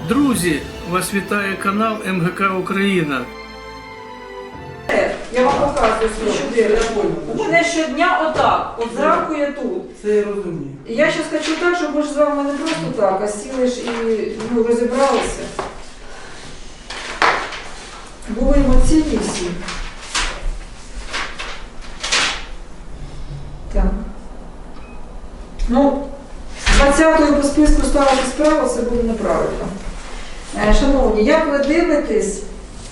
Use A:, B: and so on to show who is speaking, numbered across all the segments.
A: Друзі, вас вітає канал МГК Україна.
B: Я вам показую свій щоденник. У мене щодня отак, от зранку я тут.
C: Це я розумію.
B: І я зараз хочу так, щоб ми ж з вами не просто так, а сіли ж і розібралися. Були емоційні всі. Так. Ну, 20-ю по списку ставити справу, це буде неправильно. Шановні, як ви дивитесь?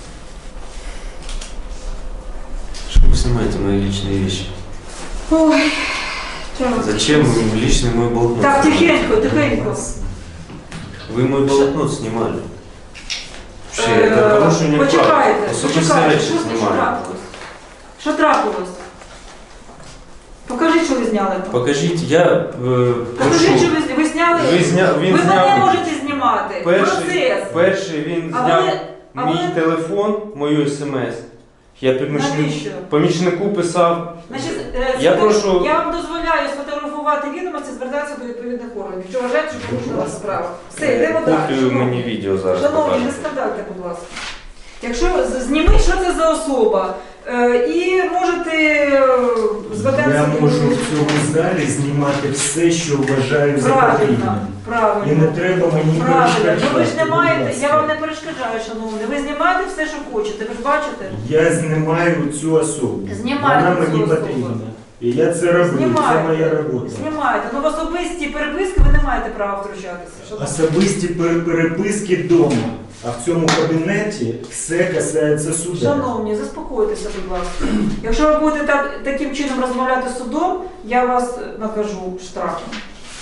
D: Что вы снимаете мои личные вещи?
B: Ой,
D: Зачем вы личный мой блокнот?
B: так,
D: снимаете?
B: тихенько, тихенько.
D: Вы мой блокнот снимали. Вообще, это порушение прав.
B: Почекайте,
D: Особисті
B: почекайте,
D: речі
B: що
D: знімали.
B: трапилось? Що трапилось? Покажіть, що ви зняли там.
D: Покажіть, я
B: Покажіть, що
D: прошу.
B: ви зняли.
D: Він
B: Ви
D: зняв
B: мене можете знімати. Процес.
D: перший він
B: А
D: зняв
B: ви-
D: мій телефон, мою смс. Я
B: Навіщо?
D: помічнику писав.
B: Значить,
D: Я прошу-
B: я вам дозволяю сфотографувати відомості, звертатися до відповідних органів. Якщо вважаєте, що порушена вас справа. Все, йдемо далі.
D: Куплю
B: Шановні.
D: мені відео зараз.
B: Шановні, не
D: покажу.
B: скандальте, будь ласка. Якщо зніміть, що це за особа, і можете звертатися
C: Я
B: до
C: можу в цьому залі знімати все, що вважаю за
B: Правильно,
C: потрібне. І
B: правильно.
C: не треба мені
B: Правильно,
C: перешкоджати.
B: ну ви ж не
C: будь
B: маєте,
C: ласка.
B: я вам не перешкоджаю, шановний, ви знімаєте все, що хочете, ви ж бачите?
C: Я знімаю цю особу.
B: Знімайте
C: Вона
B: цю
C: мені
B: особу.
C: потрібна. І я це роблю, це моя робота.
B: Знімаєте, ну в особисті переписки ви не маєте права втручатися. шановний.
C: Особисті переписки вдома, а в цьому кабінеті все касається суда.
B: Шановні, заспокойтеся, будь ласка. Якщо ви будете таким чином розмовляти з судом, я вас накажу штрафом.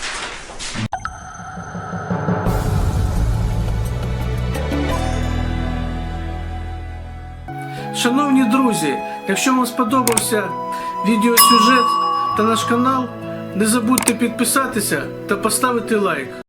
A: Шановні друзі, якщо вам сподобався відеосюжет та наш канал, не забудьте підписатися та поставити лайк.